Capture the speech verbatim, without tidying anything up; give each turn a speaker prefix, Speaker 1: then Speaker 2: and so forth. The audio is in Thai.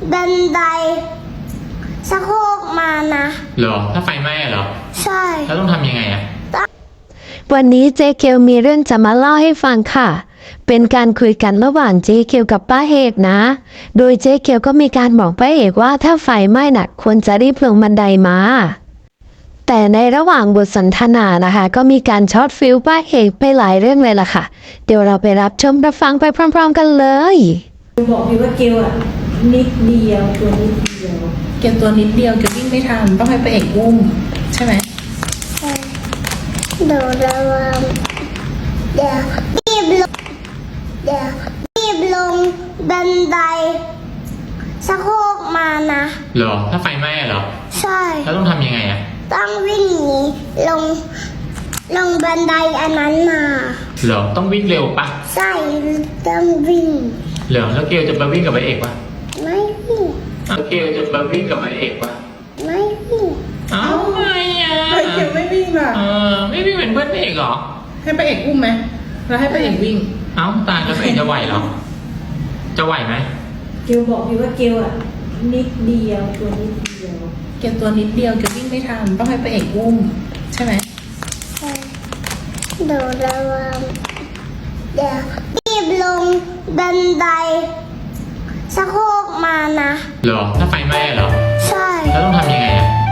Speaker 1: บันไดสะโครกมานะ
Speaker 2: เหรอถ้าไฟไหม้เหรอ
Speaker 1: ใช่
Speaker 2: แล้วต้องทำยังไงอะ
Speaker 3: วันนี้เจ๊เกียวมีเรื่องจะมาเล่าให้ฟังค่ะเป็นการคุยกันระหว่างเจ๊เกียวกับป้าเอกนะโดยเจ๊เกียวก็มีการบอกป้าเอกว่าถ้าไฟไหม้หนักควรจะรีบลงบันไดมาแต่ในระหว่างบทสนทนานะคะก็มีการช็อตฟิลป้าเอกไปหลายเรื่องเลยล่ะค่ะเดี๋ยวเราไปรับชมรับฟังไปพร้อมๆกันเลย
Speaker 4: บอกพี่ว่าเกลอะนิดเดียวตัวนิดเดียวเกลตัวนิดเดียวเกลวิ่งไม่ทันต้องให้ป้าเอกอุ้มใช่ไหม
Speaker 1: ใช่เดี๋ยวระวังเดี๋ยวรีบลงเดี๋ยวรีบลงบันไดสะโครกมานะ
Speaker 2: เหรอถ้าไฟไหม้เหรอ
Speaker 1: ใช่
Speaker 2: แล้วต้องทำยังไงอะ
Speaker 1: ต้องวิ่งหนีลงลงบันไดอันนั้นมา
Speaker 2: เหรอต้องวิ่งเร็วปะ
Speaker 1: ใช่ต้องวิ่ง
Speaker 2: เหรอแล้วเกลจะไปวิ่งกับไอเอกปะ
Speaker 1: ไม่วิ่ง
Speaker 2: แล้วเกลจะไปวิ่งกับไอเอกปะ
Speaker 1: ไม่วิ่ง
Speaker 2: เอ้าไม่อะ
Speaker 4: เกลไม่วิ่งล่ะ
Speaker 2: เออไม่วิ่งเป็นเพื่อนไอเอกเหรอ
Speaker 4: ให้ป้าเอกอุ้มไหมแล้วให้ป้าเอกวิ่ง
Speaker 2: เอ้าตายแล้วไอเอกจะไหวเหรอจะไหวไหม
Speaker 4: เกลบอกพี่ว่าเกลอะนิดเดียวตัวนิดเดียวเกลตัวนิดเดียวเกลวิ่งไม่ทันต้องให้ป้าเอกอุ้มใช่ไหม
Speaker 1: ใช่เดี๋ยวระวังเดี๋ยวรีบลงบันไดสะโครกมานะ
Speaker 2: เหรอถ้าไฟไหม้เหรอ
Speaker 1: ใช่
Speaker 2: แล้วต้องทำยังไงอะ